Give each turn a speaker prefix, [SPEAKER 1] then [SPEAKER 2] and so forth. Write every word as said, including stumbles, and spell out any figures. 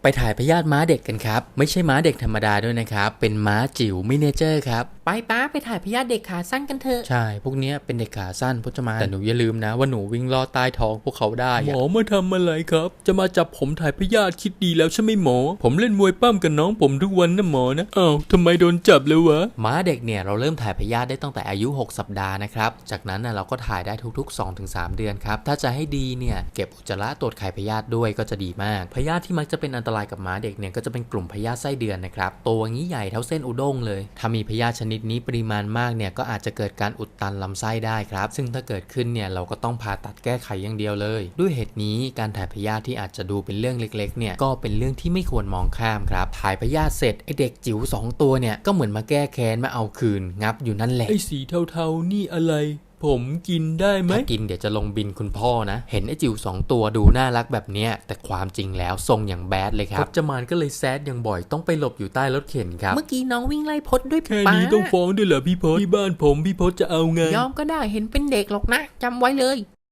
[SPEAKER 1] ถ่ายพยาธิม้าเด็กกันครับไม่ใช่ม้าเด็กธรรมดาด้วยนะครับเป็นม้าจิ๋วมินิเจอร์ครับ
[SPEAKER 2] ไปป้าไปถ่ายพยาธิเด็กขาสั้นกันเถอะ
[SPEAKER 1] ใช่พวกนี้เป็นเด็กขาสั้นพจมานแต่หนูอย่าลืมนะว่าหนูวิ่งลอดใต้ท้องพวกเขาได้หมอมาทำอะไรครับจะมาจับผมถ่ายพยาธิคิดดีแล้วใช่ไหมหมอผมเล่นมวยปั้มกับน้องผมทุกวันนะหมอนะอ้าวทำไมโดนจับเลยวะม้าเด็กเนี่ยเราเริ่มถ่ายพยาธิได้ตั้งแต่อายุหกสัปดาห์นะครับจากนั้นนะเราก็ถ่ายได้ทุกๆ สองถึงสาม เดือนครับถ้าจะให้ดีเนี่ยเก็บอุจจาระตรวจไข่พยาธิด้วยก็จะดีมากพยาธิที่มักจะเป็นอันตรายกับม้าเด็กเนี่ยก็จะเป็นกลุ่มพยาธิไส้เดือนนะครับตัวงี้ใหญ่เท่าเส้นอุด้งเลยถ้ามีพยาธิชนิดนี้ปริมาณมากเนี่ยก็อาจจะเกิดการอุดตันลำไส้ได้ครับซึ่งถ้าเกิดขึ้นเนี่ยเราก็ต้องผ่าตัดแก้ไขอย่างเดียวเลยด้วยเหตุนี้การถ่ายพยาธิที่อาจจะดูเป็นเรื่องเล็กๆเนี่ยก็เป็นเรื่องที่ไม่ควรมองข้ามครับถ่ายพยาธิเสร็จไอเด็กจิ๋วสองตัวเนี่ยก็เหมือนมาแก้แค้นมาเอาคืนงับอยู่นั่นแหละไอสีเทาๆนี่อะไรผมกินได้ไหมถ้ากินเดี๋ยวจะลงบินคุณพ่อนะเห็นไอ้จิ๋วสองตัวดูน่ารักแบบเนี้ยแต่ความจริงแล้วทรงอย่างแบดเลยครับพจมานก็เลยแซดอย่างบ่อยต้องไปหลบอยู่ใต้รถเข็นครับ
[SPEAKER 2] เมื่อกี้น้องวิ่งไล่พดด้วย
[SPEAKER 1] แค่
[SPEAKER 2] ป้า
[SPEAKER 1] นี้ต้องฟ้องด้วยเหรอพี่พศที่บ้านผมพี่พศจะเอาไง
[SPEAKER 2] ยอมก็ได้เห็นเป็นเด็กหรอกนะจำไว้เลย